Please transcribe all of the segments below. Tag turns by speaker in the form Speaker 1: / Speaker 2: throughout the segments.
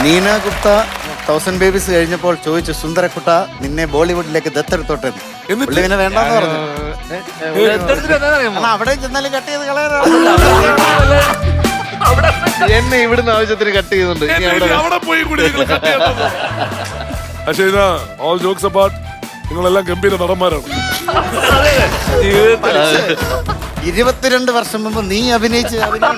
Speaker 1: Neena Gupta 1000 babies കഴിഞ്ഞപ്പോൾ ചോദിച്ചു, സുന്ദരക്കുട്ട നിന്നെ ബോളിവുഡിലേക്ക് ദത്തെടുത്തോട്ടെ.
Speaker 2: എന്നിട്ട്
Speaker 1: പിന്നെ വേണ്ടെന്ന് പറഞ്ഞു. കാരണം അവിടെ ചെന്നാലും കട്ട് ചെയ്ത് കളയാനാണ്.
Speaker 3: എന്നെ ഇവിടുന്ന് ആവശ്യത്തിന് കട്ട് ചെയ്യുന്നുണ്ട്. ഇനി
Speaker 2: അവിടെ പോയി കൂടി നിങ്ങൾ cut ചെയ്യണം. പക്ഷേ ഇതാ ഓൾ ജോക്സ് അപ്പാർട്ട്, നിങ്ങളെല്ലാം ഗംഭീര നടന്മാരാണ്.
Speaker 1: 22 വർഷം മുമ്പ് നീ അഭിനയിച്ച്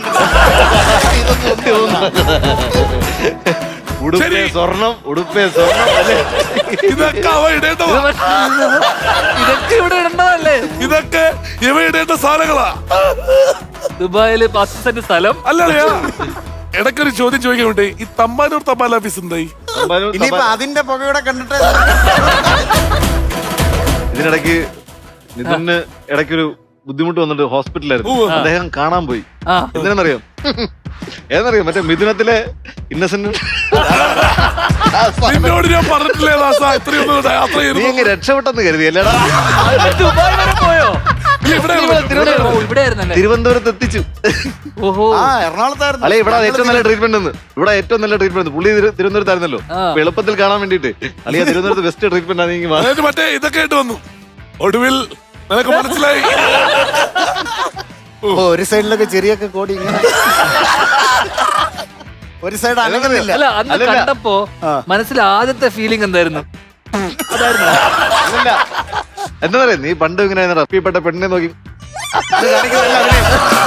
Speaker 3: ഉടുപ്പേ സ്വർണം, ഉടുപ്പേ സ്വർണം അല്ലേ?
Speaker 2: ഇതൊക്കെ അവ ഇടേണ്ടതാ.
Speaker 4: ഇതൊക്കെ ഇവിടെ ഇടണ്ടതല്ലേ?
Speaker 2: ഇതൊക്കെ ഇവ ഇടേണ്ട സാധനങ്ങളാ.
Speaker 4: ദുബായില് 10 സെന്റ് സ്ഥലം.
Speaker 2: അല്ലല്ലയാ, ഇടയ്ക്കൊരു ചോദ്യം ചോദിക്കാൻ വേണ്ടി, ഈ തമ്പാനൂർ തപാൽ ഓഫീസ് എന്തായി?
Speaker 1: ഇനിയിപ്പോ അതിന്റെ പുകയുടെ കണ്ടിട്ട്
Speaker 3: ഇതിനിടയ്ക്ക് നിതിന് ഇടയ്ക്കൊരു ബുദ്ധിമുട്ട് വന്നിട്ട് ഹോസ്പിറ്റലായിരുന്നു. അദ്ദേഹം കാണാൻ പോയി. എന്തിനാന്നറിയാം? ഏതെന്നറിയാം? മറ്റേ മിഥുനത്തിലെ ഇന്നസെന്റ്
Speaker 2: നിന്നോട് ഞാൻ പറഞ്ഞിട്ടില്ലേ ദാസ, ഇത്രയൊന്നും യാത്ര
Speaker 3: നീ
Speaker 2: ചെയ്തു.
Speaker 3: അങ്ങ് രക്ഷപ്പെട്ടെന്ന് കരുതി അല്ലേടാ?
Speaker 4: ദുബായ് വരെ പോയോ?
Speaker 3: തിരുവനന്തപുരത്ത് എത്തിച്ചു.
Speaker 4: ഓഹോ,
Speaker 1: എറണാകുളത്തായിരുന്നു.
Speaker 3: അല്ലെ, ഇവിടെ ഏറ്റവും നല്ല ട്രീറ്റ്മെന്റ് ഉണ്ട്. ഇവിടെ ഏറ്റവും നല്ല ട്രീറ്റ്മെന്റ് പുള്ളി തിരുവനന്തപുരത്തായിരുന്നല്ലോ. അപ്പൊ എളുപ്പത്തിൽ കാണാൻ വേണ്ടിട്ട് അല്ലെങ്കിൽ തിരുവനന്തപുരത്ത് ബെസ്റ്റ് ട്രീറ്റ്മെന്റ് ആണ്.
Speaker 2: അതായത് മറ്റേ ഇതൊക്കെ ആയിട്ട് വന്നു. ഒടുവിൽ നിനക്ക് മനസ്സിലായി.
Speaker 1: ഒരു സൈഡിലൊക്കെ ചെറിയൊക്കെ കോടി ഇങ്ങനെ ഒരു സൈഡ് അനങ്ങുന്നില്ല.
Speaker 4: അല്ല അന്ന് കണ്ടപ്പോ മനസ്സിൽ ആദ്യത്തെ ഫീലിംഗ് എന്തായിരുന്നു?
Speaker 3: അല്ല, എന്താ പറയാ, നീ പണ്ട് ഇങ്ങനെ റപ്പിപ്പെട്ട പെണ്ണിനെ നോക്കി അത് കാണിക്കുന്നതല്ല അഭിനയം.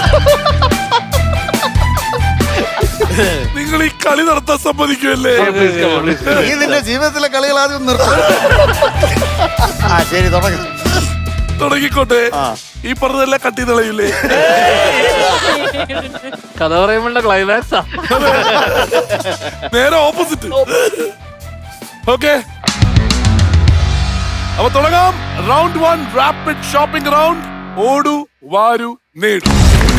Speaker 2: നിങ്ങൾ ഈ കളി നടത്താൻ സമ്മതിക്കുമല്ലേ?
Speaker 1: നീ നിന്റെ ജീവിതത്തിലെ കളികൾ ആദ്യം നിർത്തും. ശരി, തുടങ്ങി
Speaker 2: തുടങ്ങിക്കോട്ടെ. ഈ പറഞ്ഞതെല്ലാം കട്ടി തെളിയില്ലേ?
Speaker 4: കഥ പറയുമ്പോഴുള്ള ക്ലൈമാക്സാ.
Speaker 2: നേരെ ഓപ്പോസിറ്റ്. ഓക്കെ, അപ്പൊ തുടങ്ങാം. Round 1 rapid shopping round. ഓടു വാരു നേടു.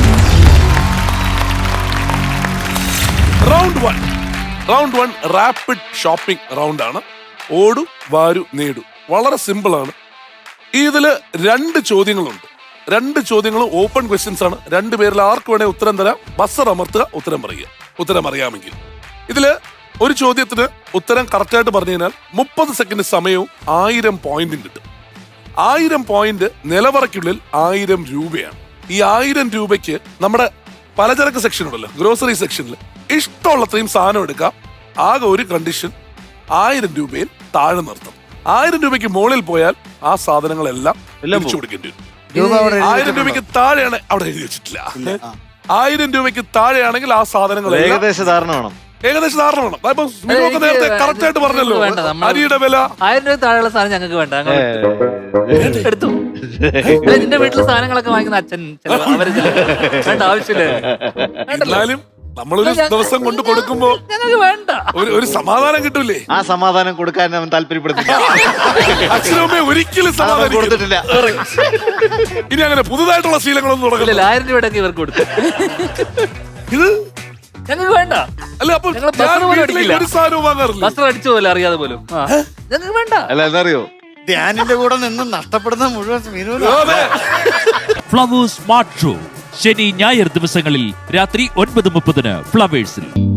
Speaker 2: റൗണ്ട് 1 റാപ്പിഡ് ഷോപ്പിംഗ് റൗണ്ട് ആണ്. ഓടു വാരു നേടു. വളരെ സിമ്പിൾ ആണ്. ഇതില് 2 ചോദ്യങ്ങളുണ്ട്. 2 ചോദ്യങ്ങളും ഓപ്പൺ ക്വസ്റ്റ്യൻസ് ആണ്. 2 പേരിൽ ആർക്ക് വേണേ ഉത്തരം തരാം. ബസർ അമർത്തുക, ഉത്തരം പറയുക. ഉത്തരം അറിയാമെങ്കിൽ. ഇതില് ഒരു ചോദ്യത്തിന് ഉത്തരം കറക്റ്റായിട്ട് പറഞ്ഞു കഴിഞ്ഞാൽ 30 സെക്കൻഡ് സമയവും 1000 പോയിന്റും കിട്ടും. 1000 പോയിന്റ് നിലവറയ്ക്കുള്ളിൽ 1000 രൂപയാണ്. ഈ 1000 രൂപയ്ക്ക് നമ്മുടെ പലചരക്ക് സെക്ഷൻ ഉണ്ടല്ലോ, ഗ്രോസറി സെക്ഷനിൽ ഇഷ്ടമുള്ളത്രയും സാധനം എടുക്കാം. ആകെ ഒരു കണ്ടീഷൻ, 1000 രൂപയിൽ താഴെ നിർത്തണം. 1000 രൂപയ്ക്ക് മുകളിൽ പോയാൽ ആ സാധനങ്ങളെല്ലാം തിരിച്ചു കൊടുക്കേണ്ടി വരും. 1000 രൂപയ്ക്ക് താഴെയാണ്, അവിടെ എഴുതി വെച്ചിട്ടില്ല. 1000 രൂപയ്ക്ക് താഴെയാണെങ്കിൽ ആ സാധനങ്ങൾ
Speaker 3: ഏകദേശ ധാരണ വേണം.
Speaker 2: ഏകദേശം ധാരണ വേണം. നേരത്തെ കറക്റ്റ് ആയിട്ട് പറഞ്ഞല്ലോ. അരിയുടെ വില
Speaker 4: 1000 രൂപ താഴെയുള്ള സാധനം ഞങ്ങൾക്ക് വേണ്ട, എടുത്തു. നിന്റെ വീട്ടിലെ സാധനങ്ങളൊക്കെ വാങ്ങിക്കുന്ന അച്ഛൻ അവര് വേണ്ട, ആവശ്യമില്ല.
Speaker 2: എന്നാലും നമ്മളൊരു ദിവസം കൊണ്ട് കൊടുക്കുമ്പോ
Speaker 4: ഞങ്ങൾക്ക് വേണ്ട,
Speaker 2: ഒരു സമാധാനം കിട്ടൂലേ?
Speaker 3: ആ സമാധാനം കൊടുക്കാൻ അവൻ താല്പര്യപ്പെടുന്നില്ല.
Speaker 2: അച്ഛനമ്മ ഒരിക്കലും സമാധാനം
Speaker 3: കൊടുത്തിട്ടില്ല.
Speaker 2: ഇനി അങ്ങനെ പുതുതായിട്ടുള്ള ശീലങ്ങളൊന്നും തുടങ്ങില്ല.
Speaker 4: 1000 രൂപയുടെ ഇവർക്ക് കൊടുത്തു.
Speaker 2: ഇത്
Speaker 4: ഞങ്ങൾക്ക് വേണ്ട.
Speaker 2: അല്ല, അപ്പൊ
Speaker 4: ഞങ്ങൾ ബസ് പോലും അടിക്കില്ല.
Speaker 2: ഒരു സാധനവും വാങ്ങാറില്ല.
Speaker 4: ബസ് അടിച്ചു പോലെ അറിയാതെ പോലും. ഞങ്ങൾക്ക് വേണ്ട.
Speaker 3: അല്ല, എന്നറിയോ,
Speaker 1: ധ്യാനിന്റെ കൂടെ നിന്ന് നഷ്ടപ്പെടുന്ന മുഴുവൻ
Speaker 5: ഫ്ലവേഴ്സ് സ്മാർട്ട് ഷോ ശനി ഞായർ ദിവസങ്ങളിൽ രാത്രി 9:30 ഫ്ലവേഴ്സിൽ.